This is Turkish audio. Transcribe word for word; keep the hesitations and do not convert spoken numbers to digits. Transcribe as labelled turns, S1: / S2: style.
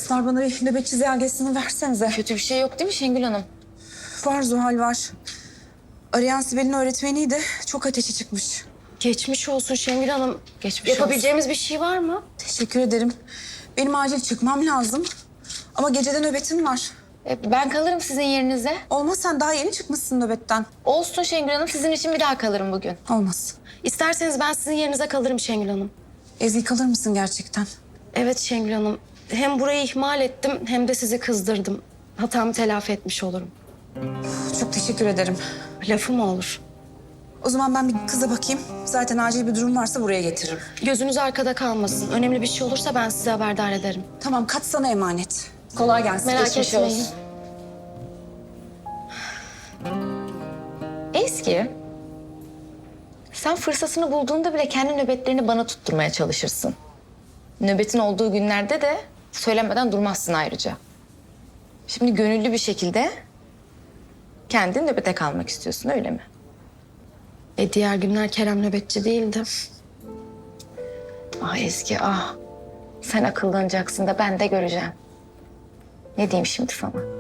S1: Kızlar bana bir nöbetçi ziyagesini versenize.
S2: Kötü bir şey yok değil mi Şengül Hanım?
S1: Var Zuhal var. Arayan Sibel'in öğretmeniydi. Çok ateşi çıkmış.
S2: Geçmiş olsun Şengül Hanım.
S1: Geçmiş
S2: Yapabileceğimiz bir şey var mı?
S1: Teşekkür ederim. Benim acil çıkmam lazım. Ama gecede nöbetim var.
S2: E, ben kalırım sizin yerinize.
S1: Olmaz, sen daha yeni çıkmışsın nöbetten.
S2: Olsun Şengül Hanım, sizin için bir daha kalırım bugün.
S1: Olmaz.
S2: İsterseniz ben sizin yerinize kalırım Şengül Hanım.
S1: Ezgi, kalır mısın gerçekten?
S2: Evet Şengül Hanım. Hem burayı ihmal ettim hem de sizi kızdırdım. Hatamı telafi etmiş olurum.
S1: Çok teşekkür ederim.
S2: Lafı mı olur?
S1: O zaman ben bir kıza bakayım. Zaten acil bir durum varsa buraya getiririm.
S2: Gözünüz arkada kalmasın. Önemli bir şey olursa ben size haberdar ederim.
S1: Tamam, kat sana emanet. Kolay gelsin.
S2: Merak
S1: Geçmiş
S2: etmeyin.
S1: olsun.
S3: Ezgi, sen fırsatını bulduğunda bile kendi nöbetlerini bana tutturmaya çalışırsın. Nöbetin olduğu günlerde de söylemeden durmazsın ayrıca. Şimdi gönüllü bir şekilde kendin nöbete kalmak istiyorsun, öyle mi?
S2: E diğer günler Kerem nöbetçi değildi.
S3: Ah Ezgi, ah. Sen akıllanacaksın da ben de göreceğim. Ne diyeyim şimdi sana?